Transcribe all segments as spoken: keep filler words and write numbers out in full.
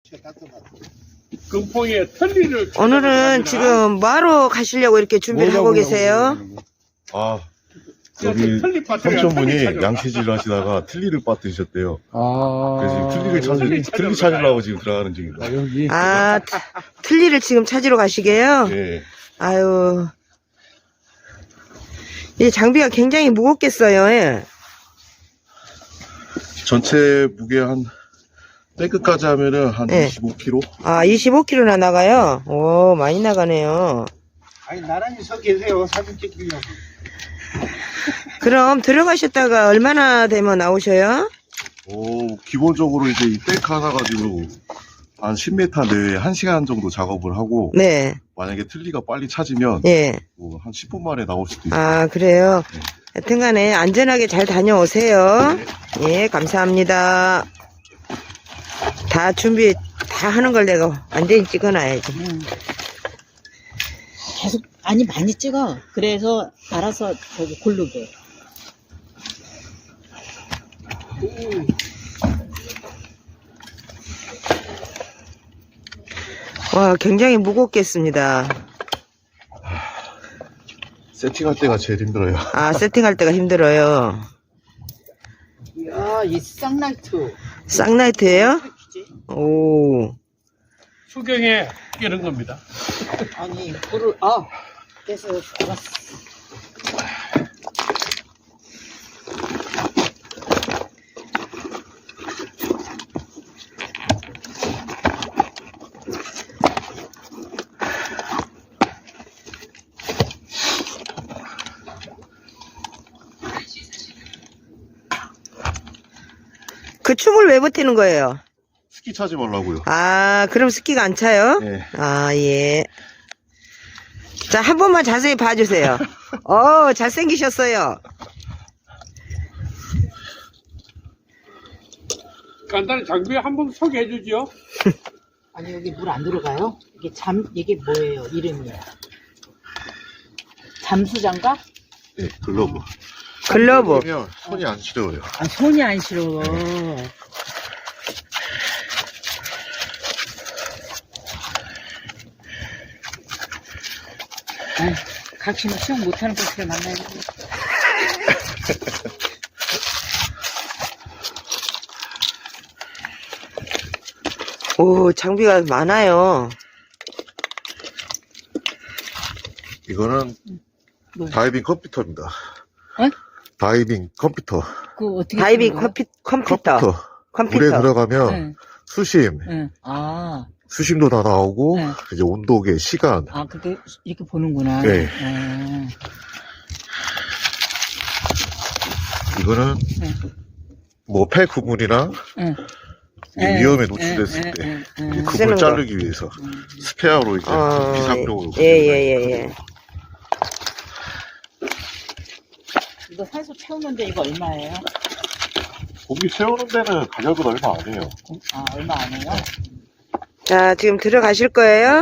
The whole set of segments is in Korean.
금포에 틀니를 오늘은 지금 뭐하러 가시려고 이렇게 준비를 하고 계세요? 아, 여기 삼촌분이 양치질을 하시다가 틀니를 빠뜨리셨대요. 아. 그래서 지금 틀니를 찾으, 틀니 찾으려고 지금 들어가는 중입니다. 아, 여기. 아, 트- 틀니를 지금 찾으러 가시게요? 예. 아유. 이 장비가 굉장히 무겁겠어요. 예. 전체 무게 한, 탱크까지 하면은 한 예. 이십오 킬로그램? 아, 이십오 킬로그램나 나가요? 오, 많이 나가네요. 아니 나란히 서 계세요. 사진 찍으려고. 그럼 들어가셨다가 얼마나 되면 나오셔요? 오, 기본적으로 이제 이 탱크 하나 가지고 한 십 미터 내외에 한 시간 정도 작업을 하고, 네. 만약에 틀니가 빨리 찾으면, 예. 뭐 한 십 분 만에 나올 수도 있어요. 아, 그래요? 네. 하여튼 간에 안전하게 잘 다녀오세요. 예, 감사합니다. 다 준비 다 하는 걸 내가 완전히 찍어놔야지. 응. 계속 아니 많이 찍어. 그래서 알아서 저기 고르게. 와, 굉장히 무겁겠습니다. 세팅할 때가 제일 힘들어요. 아, 세팅할 때가 힘들어요. 이야, 이 쌍라이트. 쌍라이트예요? 오. 수경에 끼는 겁니다. 아니, 불을 아, 그래서 알았어. 그 춤을 왜 버티는 거예요? 스키 차지 말라고요. 아, 그럼 스키가 안 차요? 네. 아, 예. 자, 한 번만 자세히 봐주세요. 어, 잘생기셨어요. 간단히 장비 한번 소개해 주죠. 아니, 여기 물 안 들어가요? 이게 잠, 이게 뭐예요? 이름이. 잠수장갑? 네, 글러브. 글러브. 그러면 손이 안 시려워요. 아, 손이 안 시려워. 아이, 각시는 수영 못하는 것을 만나야지. 오, 장비가 많아요. 이거는 뭐야? 다이빙 컴퓨터입니다. 어? 다이빙 컴퓨터. 그 어떻게 다이빙 쓰는 거야? 컴퓨, 컴퓨터. 컴퓨터. 컴퓨터. 물에 들어가면 응, 수심, 응. 아, 수심도 다 나오고, 네. 이제 온도계, 시간. 아, 그게 이렇게 보는구나. 네. 아, 이거는 네. 뭐 폐 구물이나 응. 이제 위험에 노출됐을 응, 때 응, 응, 이제 응. 그물 쓰는 거. 자르기 위해서 스페어로 이제 어, 비상용으로. 예, 예, 예, 예. 이거 산소 채우는데 이거 얼마예요? 고기 세우는 데는 가격은 얼마 안 해요. 아, 얼마 안 해요? 자, 지금 들어가실 거예요?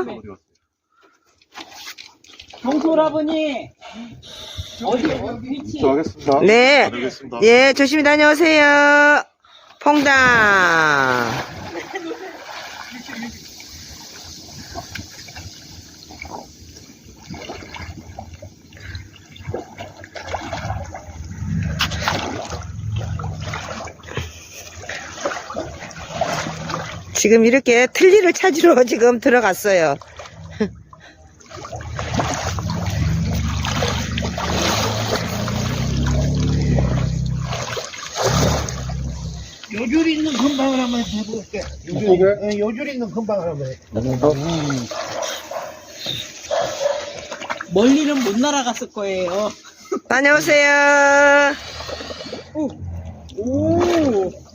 동솔아버니 어디 어디 위치? 하겠습니다. 네. 다녀오겠습니다. 예, 조심히 다녀오세요. 퐁당. 지금 이렇게 틀니를 찾으러 지금 들어갔어요. 요줄 있는 금방을 한번 해볼게. 요줄, 예, 요줄 있는 금방을 한번 해. 멀리는 못 날아갔을 거예요. 다녀오세요. 오,